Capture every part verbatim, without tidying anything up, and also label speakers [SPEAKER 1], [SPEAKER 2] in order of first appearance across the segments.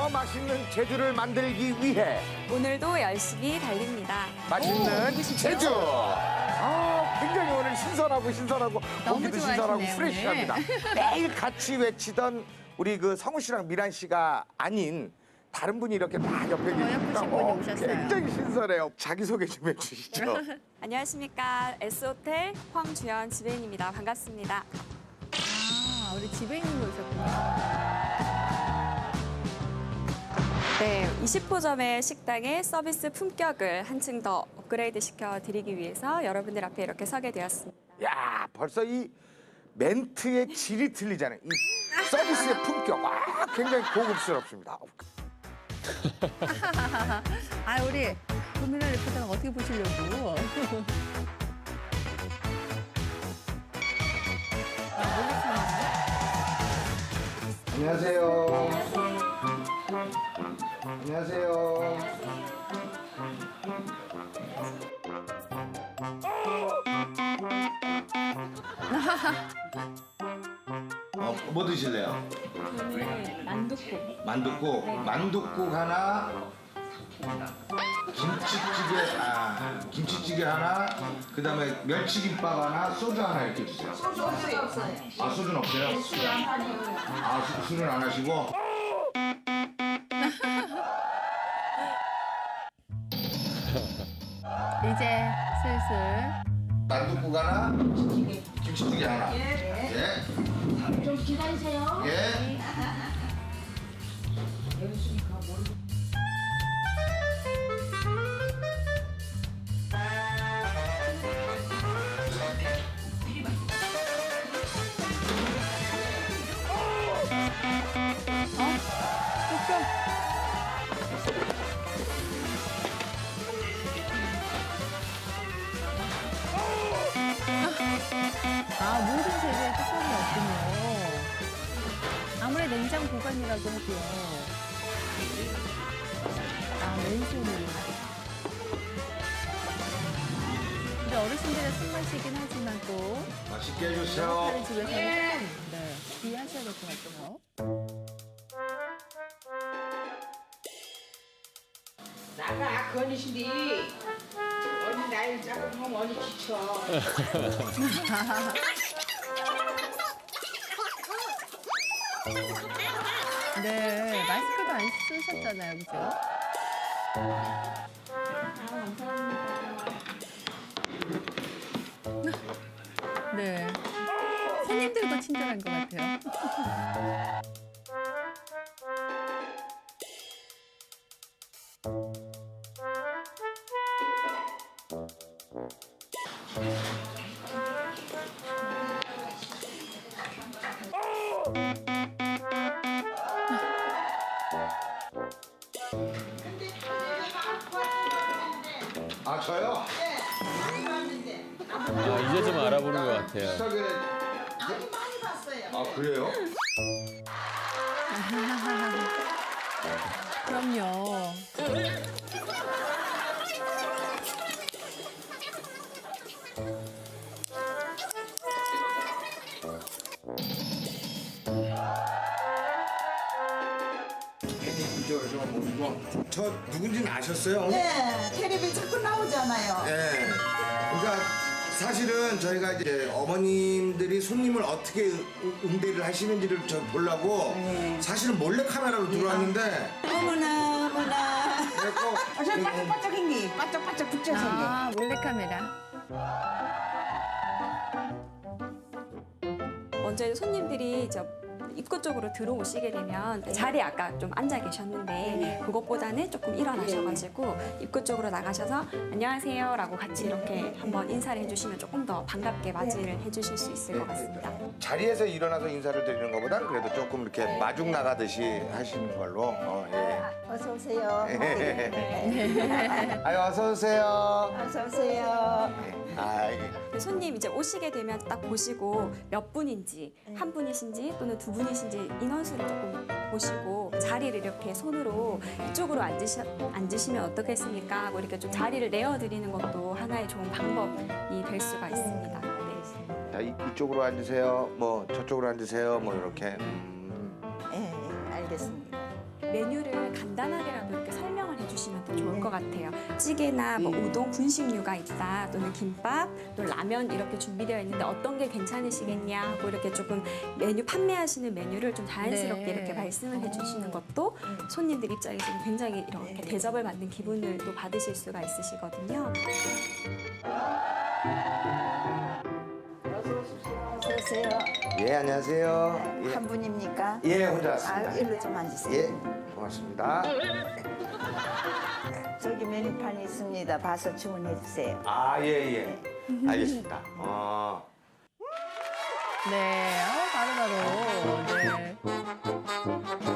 [SPEAKER 1] 맛있는 제주를 만들기 위해
[SPEAKER 2] 오늘도 열심히 달립니다.
[SPEAKER 1] 맛있는
[SPEAKER 3] 누구시죠?
[SPEAKER 1] 제주. 아, 굉장히 오늘 신선하고 신선하고
[SPEAKER 3] 너무
[SPEAKER 1] 고기도 신선하고
[SPEAKER 3] 좋아하시네요,
[SPEAKER 1] 프레시합니다. 매일 같이 외치던 우리 그 성우 씨랑 미란 씨가 아닌 다른 분이 이렇게 막 옆에 계시니까
[SPEAKER 3] 예쁘신 분이 오셨어요.
[SPEAKER 1] 굉장히 신선해요. 자기소개 좀 해주시죠.
[SPEAKER 2] 안녕하십니까. S호텔 황주연 지배인입니다. 반갑습니다.
[SPEAKER 3] 아, 우리 지배인님 오셨군요.
[SPEAKER 2] 네, 이십 호점의 식당의 서비스 품격을 한층 더 업그레이드 시켜드리기 위해서 여러분들 앞에 이렇게 서게 되었습니다.
[SPEAKER 1] 야, 벌써 이 멘트의 질이 틀리잖아요. 이 서비스의 품격. 와, 굉장히 고급스럽습니다.
[SPEAKER 3] 아, 우리 고민을 리포터는 어떻게 보시려고?
[SPEAKER 1] 안녕하세요. 안녕하세요. 어, 뭐 드실래요?
[SPEAKER 2] 저는 만둣국.
[SPEAKER 1] 만둣국. 만둣국 하나. 김치찌개, 아, 김치찌개 하나. 그다음에 멸치김밥 하나, 소주 하나 이렇게 주세요.
[SPEAKER 4] 소주 없어요. 없어요.
[SPEAKER 1] 아, 소주는 없어요?
[SPEAKER 4] 술 안 하니요.
[SPEAKER 1] 아, 수, 술은 안 하시고?
[SPEAKER 3] 이제 슬슬.
[SPEAKER 1] 만둣국 하나, 김치찌개 하나.
[SPEAKER 4] 예.
[SPEAKER 1] 예.
[SPEAKER 4] 좀 기다리세요.
[SPEAKER 1] 예.
[SPEAKER 3] 아, 모든 재료에 뚜껑이 없군요. 아무리 냉장 보관이라도 해도요. 아, 맨손으로. 근데 어르신들의 손맛이긴 하지만 또
[SPEAKER 1] 맛있게 해주세요.
[SPEAKER 3] 다른 집에서는 네, 주의하셔야 될 것 같아요.
[SPEAKER 4] 나가 건이신데 언니 나이 작으면 언니 지쳐.
[SPEAKER 3] 네, 마스크도 안 쓰셨잖아요, 그죠? 네. 손님들도 친절한 것 같아요.
[SPEAKER 1] 아, 저요?
[SPEAKER 5] 아, 이제 좀 알아보는 것 같아요.
[SPEAKER 1] 인스타그램.
[SPEAKER 4] 아니 많이 봤어요.
[SPEAKER 1] 아, 그래요?
[SPEAKER 3] 그럼요.
[SPEAKER 1] 이쪽으로 좀 모시고. 저 누군지는 아셨어요?
[SPEAKER 4] 네, 텔레비 자꾸 나오잖아요.
[SPEAKER 1] 네. 그러니까 사실은 저희가 이제 어머님들이 손님을 어떻게 응- 응대를 하시는지를 저 보려고 사실은 몰래 카메라로 들어왔는데
[SPEAKER 4] 어머나 어머나.
[SPEAKER 1] 그래갖고
[SPEAKER 4] 아, 저 반짝반짝한 게 반짝반짝 붙여서.
[SPEAKER 3] 아, 몰래카메라.
[SPEAKER 2] 먼저 이제 손님들이 저 입구 쪽으로 들어오시게 되면 자리에 아까 좀 앉아 계셨는데 그것보다는 조금 일어나셔가지고 입구 쪽으로 나가셔서 안녕하세요라고 같이 이렇게 한번 인사를 해주시면 조금 더 반갑게 맞이를 해주실 수 있을 것 같습니다.
[SPEAKER 1] 자리에서 일어나서 인사를 드리는 것보다는 그래도 조금 이렇게 마중 나가듯이 하시는 걸로. 어, 예.
[SPEAKER 4] 어서 오세요.
[SPEAKER 1] 아유, 어서 오세요.
[SPEAKER 4] 어서 오세요.
[SPEAKER 1] 아, 예.
[SPEAKER 2] 손님 이제 오시게 되면 딱 보시고 몇 분인지 한 분이신지 또는 두 분이신지 인원수를 조금 보시고 자리를 이렇게 손으로 이쪽으로 앉으시, 앉으시면 어떻겠습니까 하고 이렇게 좀 자리를 내어드리는 것도 하나의 좋은 방법이 될 수가 있습니다. 네.
[SPEAKER 1] 자, 이, 이쪽으로 앉으세요. 뭐 저쪽으로 앉으세요. 뭐 이렇게. 음.
[SPEAKER 4] 예, 예, 알겠습니다.
[SPEAKER 2] 메뉴를 간단하게라도 이렇게 설명을 해주시면 더 좋을 것 같아요. 찌개나 뭐 우동, 분식류가 있다, 또는 김밥, 또 라면 이렇게 준비되어 있는데 어떤 게 괜찮으시겠냐 하고 이렇게 조금 메뉴 판매하시는 메뉴를 좀 자연스럽게
[SPEAKER 3] 네.
[SPEAKER 2] 이렇게 말씀을 해주시는 것도 손님들 입장에서는 굉장히 이렇게 대접을 받는 기분을 또 받으실 수가 있으시거든요.
[SPEAKER 4] 어서 오세요.
[SPEAKER 1] 예, 안녕하세요. 예,
[SPEAKER 4] 한 분입니까?
[SPEAKER 1] 예 혼자
[SPEAKER 4] 아,
[SPEAKER 1] 왔습니다.
[SPEAKER 4] 일로 좀 앉으세요.
[SPEAKER 1] 예, 고맙습니다.
[SPEAKER 4] 저기 메뉴판이 있습니다. 봐서 주문해 주세요.
[SPEAKER 1] 아, 예, 예. 알겠습니다. 어.
[SPEAKER 3] 네, 아, 바로바로. 네.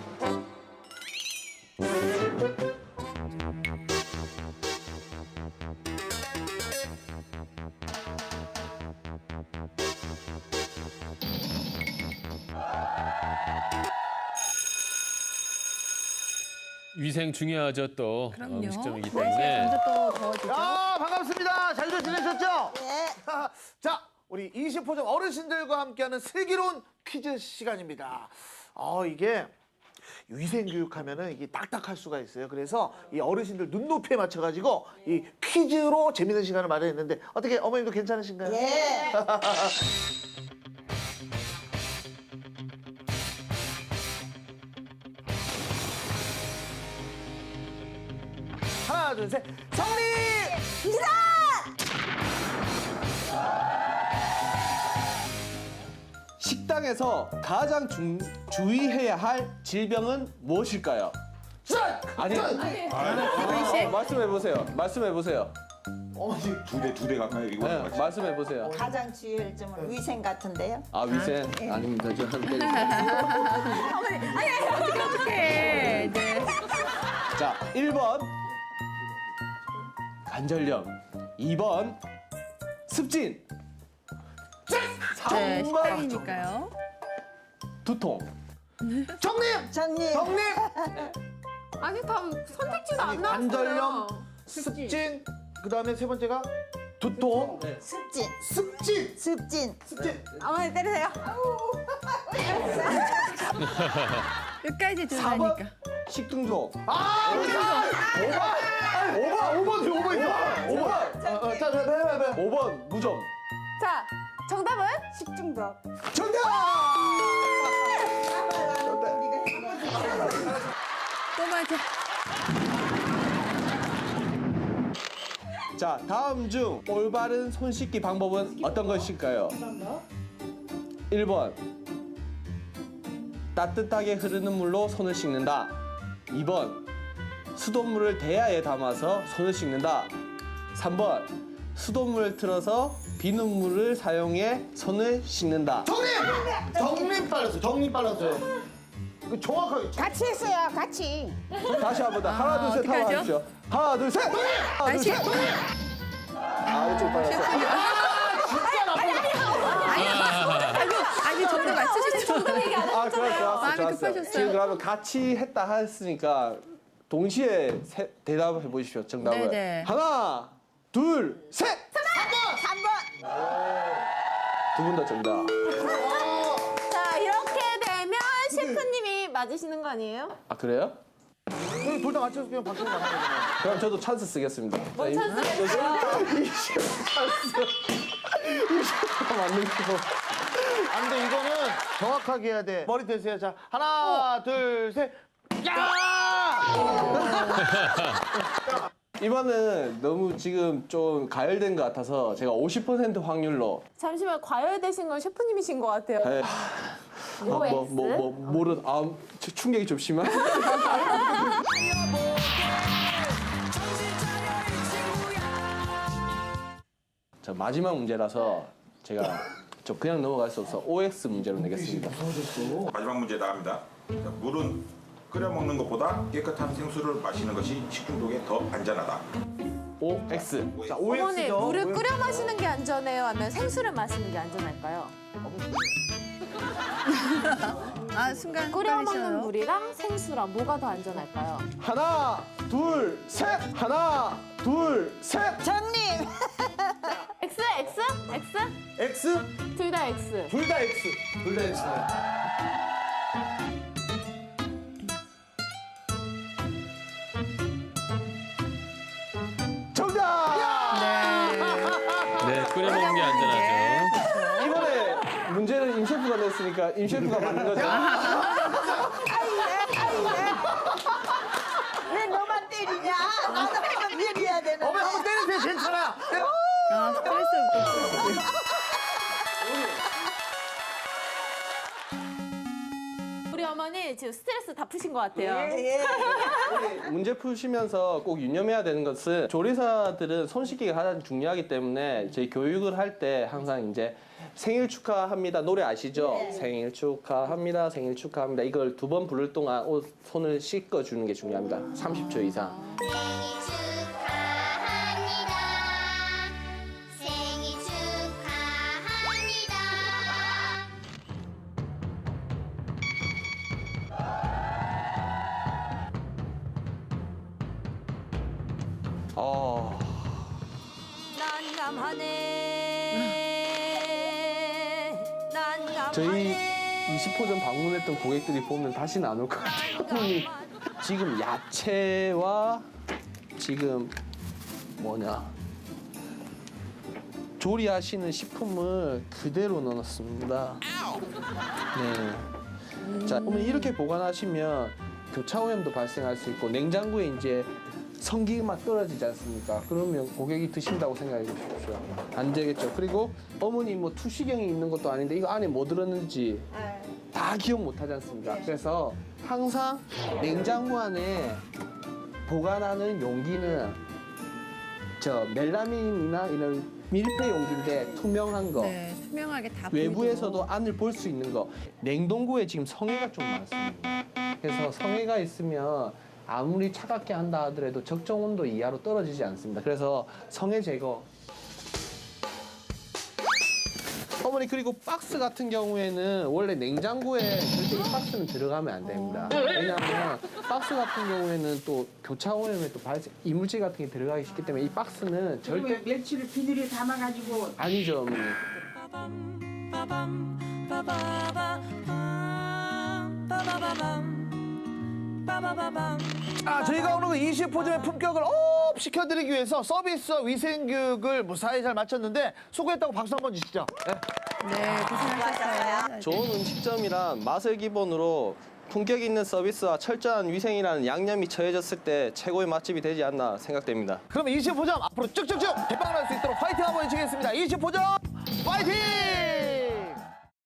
[SPEAKER 5] 위생 중요하죠 또. 어,
[SPEAKER 3] 그럼요.
[SPEAKER 5] 음식점이기
[SPEAKER 3] 날씨가
[SPEAKER 5] 때문에.
[SPEAKER 3] 점점 또 더워지죠.
[SPEAKER 6] 야, 반갑습니다. 잘들 지내셨죠?
[SPEAKER 4] 네.
[SPEAKER 6] 자, 우리 이십 호점 어르신들과 함께하는 슬기로운 퀴즈 시간입니다. 어, 이게 위생 교육하면은 이게 딱딱할 수가 있어요. 그래서 이 어르신들 눈높이에 맞춰가지고 이 퀴즈로 재밌는 시간을 마련했는데 어떻게 어머님도 괜찮으신가요?
[SPEAKER 4] 예.
[SPEAKER 6] 하나, 둘, 셋, 성리!
[SPEAKER 7] 식당에서 가장 중, 주의해야 할 질병은 무엇일까요? 아니, 어, 말씀해 보세요. 말씀해 보세요.
[SPEAKER 6] 어머니,
[SPEAKER 8] 두 대, 두 대 가까이 이거
[SPEAKER 7] 네,
[SPEAKER 8] 같이.
[SPEAKER 7] 말씀해 보세요.
[SPEAKER 4] 가장 주의할 점은 위생 같은데요.
[SPEAKER 7] 아 위생 아닙니다. 저 한 대.
[SPEAKER 3] 어떡해. 네.
[SPEAKER 7] 자, 일 번 관절염, 이 번 습진,
[SPEAKER 3] 네,
[SPEAKER 7] 삼 번
[SPEAKER 3] 식당이니까요.
[SPEAKER 7] 두통.
[SPEAKER 6] 정님!
[SPEAKER 4] 장님.
[SPEAKER 6] 정님!
[SPEAKER 9] 아니 다 선택지가 안 나왔어요.
[SPEAKER 6] 관절염, 습진, 그 다음에 세 번째가 두통,
[SPEAKER 4] 습진.
[SPEAKER 6] 습진!
[SPEAKER 4] 습진.
[SPEAKER 6] 습진!
[SPEAKER 4] 어머니 때리세요.
[SPEAKER 3] 끝까지
[SPEAKER 7] 사 번
[SPEAKER 3] 들어가니까.
[SPEAKER 7] 식중독.
[SPEAKER 6] 아! 오번! 오번! 오번! 오번 있어! 오번! 어, 어, 자, 자, 자, 자, 자.
[SPEAKER 7] 오 번 무좀.
[SPEAKER 9] 자, 정답은 식중독.
[SPEAKER 6] 정답!
[SPEAKER 3] 또 맞아.
[SPEAKER 7] 자, 다음 중 올바른 손 씻기 방법은 어떤 것일까요? 일 번 따뜻하게 흐르는 물로 손을 씻는다. 이 번 수돗물을 대야에 담아서 손을 씻는다. 삼 번 수돗물을 틀어서 비눗물을 사용해 손을 씻는다.
[SPEAKER 6] 정님! 정님 빨랐어요. 정님 빨랐어요. 그 정확하게.
[SPEAKER 4] 같이 했어요. 같이.
[SPEAKER 7] 다시 한 번 더. 하나, 둘, 셋
[SPEAKER 3] 어떡하죠?
[SPEAKER 7] 하고 하십시오. 하나, 둘, 셋! 하나, 둘,
[SPEAKER 3] 다시.
[SPEAKER 7] 셋! 아, 이쪽 빨랐어.
[SPEAKER 3] 아이고, 아니 정답 맞추실 줄.
[SPEAKER 7] 아, 좋았어, 좋았어,
[SPEAKER 3] 마음이
[SPEAKER 7] 좋았어.
[SPEAKER 3] 급하셨어요.
[SPEAKER 7] 지금 그러면 같이 했다 했으니까 동시에 세, 대답해 보십시오. 정답을.
[SPEAKER 3] 네네.
[SPEAKER 7] 하나, 둘, 셋!
[SPEAKER 4] 삼 번.
[SPEAKER 7] 두 분 다 정답.
[SPEAKER 9] 자, 이렇게 되면 셰프님이 맞으시는 거 아니에요?
[SPEAKER 7] 아, 그래요?
[SPEAKER 6] 둘다 맞춰서 그냥 박수 나가야 되잖아요.
[SPEAKER 7] 그럼 저도 찬스 쓰겠습니다.
[SPEAKER 9] 뭔 찬스겠어요?
[SPEAKER 7] 맞는 거.
[SPEAKER 6] 안 돼, 이거는 정확하게 해야 돼. 머리 대세요. 자, 하나, 둘, 셋. 야!
[SPEAKER 7] 이번은 너무 지금 좀 가열된 것 같아서 제가 오십 퍼센트 확률로
[SPEAKER 9] 잠시만, 과열되신 건 셰프님이신 것 같아요.
[SPEAKER 7] 에,
[SPEAKER 9] 뭐
[SPEAKER 7] 뭐,
[SPEAKER 9] X?
[SPEAKER 7] 뭐, 뭐, 모르, 아, 추- 충격이 좀 심한. 자, 마지막 문제라서 제가 저 그냥 넘어갈 수 없어 오엑스 문제로 내겠습니다.
[SPEAKER 8] 마지막 문제 나갑니다. 자, 물은 끓여 먹는 것보다 깨끗한 생수를 마시는 것이 식중독에 더 안전하다.
[SPEAKER 7] 오엑스.
[SPEAKER 6] 자,
[SPEAKER 9] 어머니,
[SPEAKER 6] 오엑스죠.
[SPEAKER 9] 물을 끓여 마시는 게 안전해요? 아니면 생수를 마시는 게 안전할까요?
[SPEAKER 3] 아 순간
[SPEAKER 9] 끓여 먹는
[SPEAKER 3] 헷갈리셔요.
[SPEAKER 9] 물이랑 생수랑 뭐가 더 안전할까요?
[SPEAKER 7] 하나, 둘, 셋. 하나, 둘, 셋.
[SPEAKER 4] 장님.
[SPEAKER 9] X, X, X?
[SPEAKER 6] X?
[SPEAKER 9] 둘 다 X.
[SPEAKER 6] 둘 다 X.
[SPEAKER 7] 둘 다 X네. 셰프가 냈으니까 임 셰프가 맞는 거죠.
[SPEAKER 4] 왜 너만 때리냐? 나도 한번 때려야 되는데.
[SPEAKER 6] 어머니 한번 때리세요. 괜찮아.
[SPEAKER 3] 아, 스트레스부터 푸시고.
[SPEAKER 9] 우리 어머니 지금 스트레스 다 푸신 것 같아요.
[SPEAKER 4] 예, 예.
[SPEAKER 7] 문제 푸시면서 꼭 유념해야 되는 것은 조리사들은 손 씻기가 가장 중요하기 때문에 저희 교육을 할 때 항상 이제 생일 축하합니다 노래 아시죠? 생일 축하합니다, 생일 축하합니다. 이걸 두 번 부를 동안 옷, 손을 씻어 주는 게 중요합니다. 삼십 초 이상.
[SPEAKER 10] 생일 축하합니다. 생일 축하합니다.
[SPEAKER 7] 어,
[SPEAKER 2] 난감하네. 난감하네.
[SPEAKER 7] 저희 이십 호점 방문했던 고객들이 보면 다시는 안 올 것 같아요. 분이 지금 야채와 지금 뭐냐 조리하시는 식품을 그대로 넣어놨습니다. 네. 자, 어머니 이렇게 보관하시면 교차 오염도 발생할 수 있고 냉장고에 이제 성기가 떨어지지 않습니까? 그러면 고객이 드신다고 생각해 주십시오. 안 되겠죠. 그리고 어머니 뭐 투시경이 있는 것도 아닌데 이거 안에 뭐 들었는지 다 기억 못 하지 않습니까? 그래서 항상 냉장고 안에 보관하는 용기는 저 멜라민이나 이런 밀폐 용기인데 투명한 거.
[SPEAKER 3] 네, 투명하게 다
[SPEAKER 7] 외부에서도
[SPEAKER 3] 보이도록.
[SPEAKER 7] 안을 볼 수 있는 거. 냉동고에 지금 성에가 좀 많습니다. 그래서 성에가 있으면 아무리 차갑게 한다 하더라도 적정 온도 이하로 떨어지지 않습니다. 그래서 성에 제거. 어머니 그리고 박스 같은 경우에는 원래 냉장고에 절대 이 박스는 들어가면 안 됩니다. 왜냐하면 박스 같은 경우에는 또 교차 오염에 또 발생 이물질 같은 게 들어가기 쉽기 때문에 이 박스는 절대
[SPEAKER 4] 멸치를 비닐에 담아가지고
[SPEAKER 7] 아니죠, 어머니.
[SPEAKER 6] 아, 저희가 오늘 그 이십 호점의 품격을 업 시켜드리기 위해서 서비스와 위생 교육을 무사히 잘 마쳤는데 수고했다고 박수 한번 주시죠. 네.
[SPEAKER 3] 네, 고생하셨어요.
[SPEAKER 7] 좋은 음식점이란 맛을 기본으로 품격 있는 서비스와 철저한 위생이라는 양념이 처해졌을 때 최고의 맛집이 되지 않나 생각됩니다.
[SPEAKER 6] 그럼 이십 호점 앞으로 쭉쭉쭉 대박 날 수 있도록 파이팅 한번 해주시겠습니다. 이십 호점 파이팅!